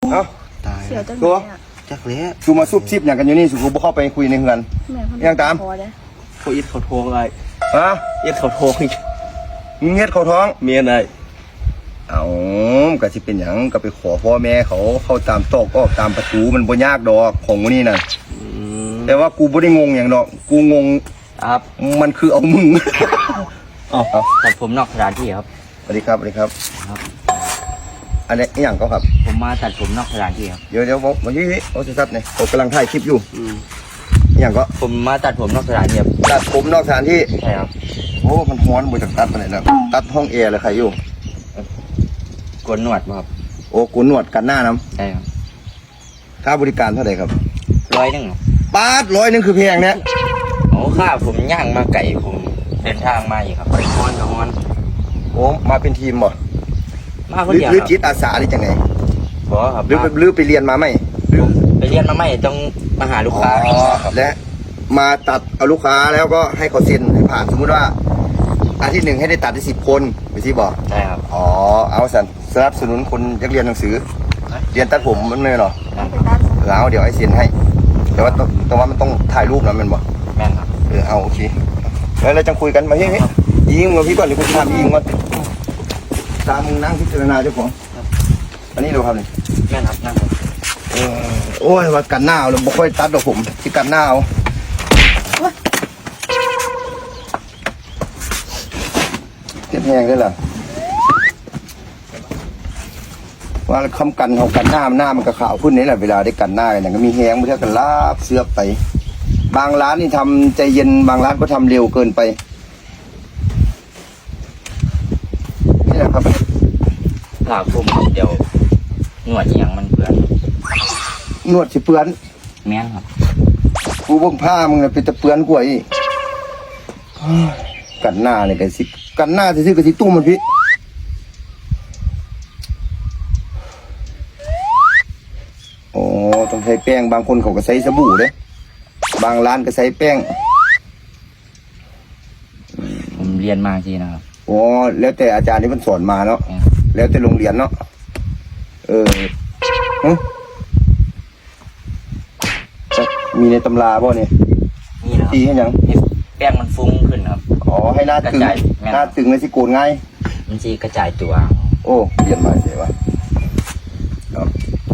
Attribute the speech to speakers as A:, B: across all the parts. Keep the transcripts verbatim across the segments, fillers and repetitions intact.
A: เอ้า
B: ตาย
C: เสียจัง
A: ตัว
C: เลยอ่ะ
B: จักเละ
A: สูมาซุบซิบอย่างกันอยู่นี่สูกูบ่เข้าไปคุยในเฮือน
C: แม่
A: ยังตาม
C: พอเลย
B: เขาอิดเขาโทงไอ้
A: ฮะ
B: อิดเขาโทง
A: มึงเฮ็ดเขาท้อง
B: เมียนไอ้
A: เอาก็สิเป็นหยังก็ไปขอพ่อแม่เขาเข้าตามตอกออกตามประตูมันบ่ยากดอกของมื้อนี้น่ะแต่ว่ากูบ่ได้งงหยังดอกกูงง
B: ครับ
A: มันคือเอามึง
B: อ๋อตัดผมนอกสถานที่ครับ
A: สวัสดีครับสวัสดีครับ
B: ครับ
A: อันนี้อหย่างก็ครับ
B: ผมมาตัดผมนอกสถานที่ครับ
A: เดี๋ยวเดี๋ยวผมมายี่โอ้สิครับเนี่ยผมกำลังถ่ายคลิปอยู่อหย่างก็
B: ผมมาตัดผมนอกสถานที่ครับ
A: ตัดผมนอกสถานที่
B: ใช่ครับ
A: โอ้มันฮ้อนบ่จากตัดปานไหนแล้วตัดห้องแอร์เลยใครอยู่
B: โกนหนวดบ่ครับ
A: โอ้กูนวดกันหน้าน้
B: ใช่ครับ
A: ำค่าบริการเท่าไหร่ครับ
B: ร้อยหนึงครับ
A: บาทร้อยหนึงคือแพงเนี่ย
B: โอ้ค่าผมย่างมาไก่ผมเดินทางมาอีกครับฮอนกับฮอน
A: โอ้มาเป็นทีมบ่
B: มา
A: ห
B: คน
A: รือ
B: เดียว
A: หรือ
B: ครับ
A: จิตอาสาหรือจังไง
B: บ่ครับ
A: หรือ
B: มา
A: หรือไปเรียนมาไหม
B: ผมไปเรียนมาไม่ต้องมาหาลูกค้า
A: อ๋อและมาตัดเอาลูกค้าแล้วก็ให้เขาเซ็นให้ผ่านสมมุติว่าอาทิตย์หนึ่งให้ได้ตัดได้สิบคนไปที่บอก
B: ใช่ครับ
A: อ๋อเอาสันสนับสนุนคนอยากเรียนหนังสือ เรียนตัดผมมันไม่หรอ
B: แม่น
C: ไปตัด
A: เออเอาเดี๋ยวไอ้เซ็นให้ แต่ว่าต้องแต่ว่ามันต้องถ่ายรูปนะมันบอก
B: แม่นครับ
A: เออเอาโอเคแล้วเราจะคุยกันมาเฮ้ยเฮ้ยยิงมาพี่ก่อนเดี๋ยวกูจะทำยิงก่อนตามมึงนั่งพิจารณาเจ้าของอันนี้ดูครับนี่
B: แม่นครับนั่นครับ
A: เออโอ้ยว่ากันหน้าเอาเราบ่ค่อยตัดดอกผมที่กันหน้าเอาเก็บแหงได้เหรอว่าคำกันเขากันหน้ามันหน้ามันก็ขาวขึ้นนี่แหละเวลาได้กันหน้ากันอย่างก็มีแหงไม่เท่ากันลาบเสือกไป บางร้านนี่ทำใจเย็นบางร้านก็ทำเร็วเกินไปนี่แหละครับ
B: ผ่าผมเดี๋ยวหนวดอหย่างมันเปื้อน
A: นวดสิเปื้อน
B: แม่นครับ
A: กูเบิ่งผ้ามึงน่ะเป็นตะเปื้อนกว่าอีกเฮ้ยกันหน้าเนี่ยกันสิกันหน้าซื่อๆกับสิตุ้มมันพี่โอ้ต้องใช้แป้งบางคนเขาก็ใช้สบู่เด้บางร้านก็ใช้แป้ง
B: ผมเรียนมาทีนะครับ
A: โอ้แล้วแต่อาจารย์ที่มันสอนมาเนาะ
B: แม่น
A: แล้วแต่โรงเรียนเนาะเออหึมีในตำราบ่เนี่ย
B: นี่นะครั
A: ตีให้หยัง
B: ให้แป้งมันฟุ้งขึ้นครับ
A: อ๋อให้หน้าตึง
B: กระจายแม่น
A: หน้าตึงเลยสิโกนง่าย
B: มันจะกระจายตัว
A: โอ้เรียนมาเสียวะครับ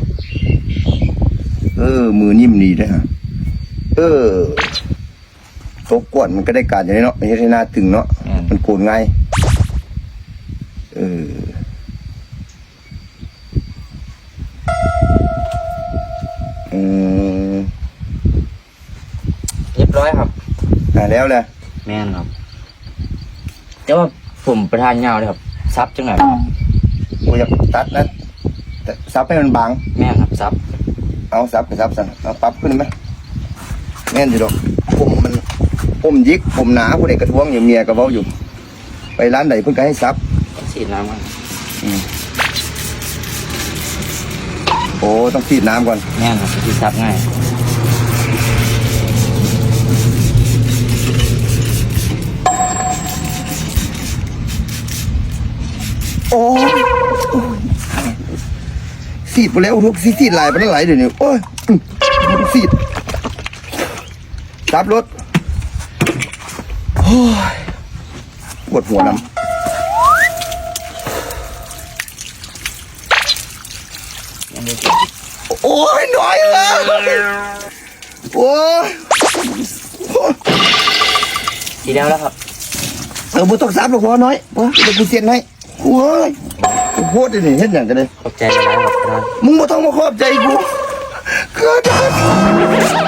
A: เออ มือนิ่มดีด้วยฮะเออโต๊ะกวนมันก็ได้การอย่างนี้เนาะไม่ใช่หน้าตึงเนาะ
B: แม่น
A: มันโกนง่ายเอออืม
B: เรียบร้อยครับ
A: อ่าแล้วแหละ
B: แม่นครับแต่ว่าผมประทานยาวเลยครับซับจังไหนครับ
A: กูอยากตัดนะแต่ซับให้มันบาง
B: แม่นครับซับ
A: เอาซับไปซับสั่นเอาปรับขึ้นไหมแม่นอยู่ดอกผมมันผมยิกผมหนาผู้ใดกระท้วงอยู่เมียก็เว้าอยู่ ไปร้านไหนเพิ่นก็ให้ซับ
B: ต้องฉีดน้ำมัน
A: อืมโอ้ต้องฉีดน้ำก่อน
B: แม่นครับที่ซับง่าย
A: โอ้ยสีดไปแล้วทุกสีสีดหลายไปแล้วหลายเดี๋ยวนี้โอ้ยอืมสีดซับรถโอ้ยปวดหัวน้ำ
B: ยังไม่
A: โอ้ยหน่อยเลยโอ้ย
B: ทีแล้วแล้วครับ
A: เออบุตรซับหรอกพอน้อยพอเดี๋ยวกูเสียนให้โอ้ยกูโพดได้นี่เห็นอย่างกันเลย
B: ขอบใจหลายๆครับ
A: มึงบ่ต้องมาขอบใจกูเกิด